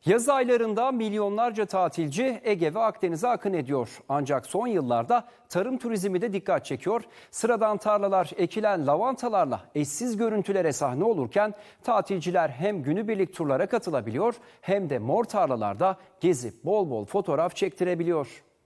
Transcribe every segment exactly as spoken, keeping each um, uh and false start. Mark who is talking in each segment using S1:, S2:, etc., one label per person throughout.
S1: Yaz aylarında milyonlarca tatilci Ege ve Akdeniz'e akın ediyor. Ancak son yıllarda tarım turizmi de dikkat çekiyor. Sıradan tarlalar ekilen lavantalarla eşsiz görüntülere sahne olurken tatilciler hem günübirlik turlara katılabiliyor hem de mor tarlalarda gezip bol bol fotoğraf çektirebiliyor.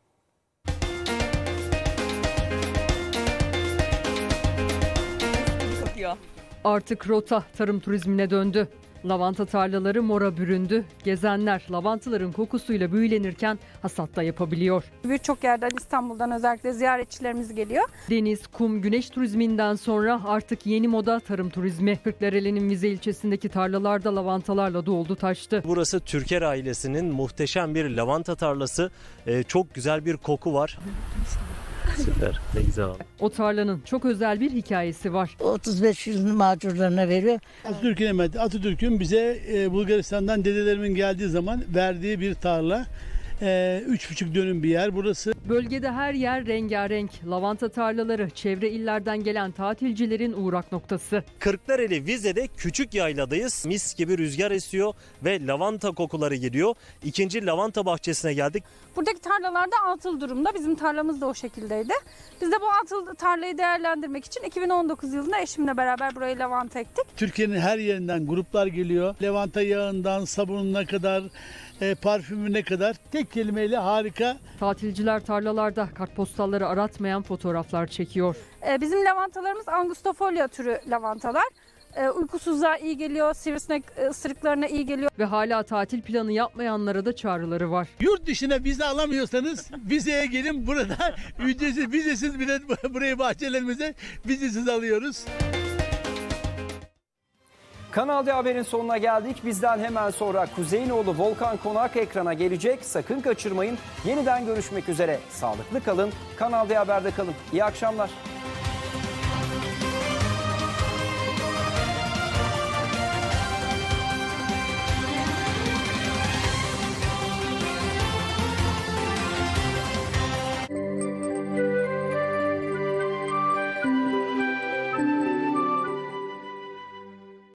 S2: Artık rota tarım turizmine döndü. Lavanta tarlaları mora büründü. Gezenler lavantaların kokusuyla büyülenirken hasat da yapabiliyor.
S3: Birçok yerden, İstanbul'dan özellikle ziyaretçilerimiz geliyor.
S2: Deniz, kum, güneş turizminden sonra artık yeni moda tarım turizmi. Kırklareli'nin Vize ilçesindeki tarlalarda lavantalarla doldu taştı.
S4: Burası Türker ailesinin muhteşem bir lavanta tarlası. Ee, çok güzel bir koku var. Süper, ne güzel.
S2: O tarlanın çok özel bir hikayesi var.
S5: otuz beş yılını mağdurlarına veriyor.
S6: Atatürk'ün emeti. Atatürk'ün bize e, Bulgaristan'dan dedelerimin geldiği zaman verdiği bir tarla. E, üç buçuk dönüm bir yer burası.
S2: Bölgede her yer rengarenk. Lavanta tarlaları çevre illerden gelen tatilcilerin uğrak noktası.
S4: Kırklareli Vize'de küçük yayladayız. Mis gibi rüzgar esiyor ve lavanta kokuları geliyor. İkinci lavanta bahçesine geldik.
S3: Buradaki tarlalarda atıl durumda. Bizim tarlamız da o şekildeydi. Biz de bu atıl tarlayı değerlendirmek için iki bin on dokuz yılında eşimle beraber burayı lavanta ektik.
S6: Türkiye'nin her yerinden gruplar geliyor. Lavanta yağından sabununa kadar, e, parfümüne kadar tek kelimeyle harika.
S2: Tatilciler tarlalarda kartpostalları aratmayan fotoğraflar çekiyor.
S3: Ee, bizim lavantalarımız Angustifolia türü lavantalar. Ee, uykusuzluğa iyi geliyor, sivrisinek ısırıklarına iyi geliyor.
S2: Ve hala tatil planı yapmayanlara da çağrıları var.
S6: Yurt dışına vize alamıyorsanız vizeye gelin, burada ücretsiz, vizesiz bile burayı bahçelerimize vizesiz alıyoruz.
S1: Kanal D Haber'in sonuna geldik. Bizden hemen sonra Kuzeyinoğlu Volkan Konak ekrana gelecek. Sakın kaçırmayın. Yeniden görüşmek üzere. Sağlıklı kalın. Kanal D Haber'de kalın. İyi akşamlar.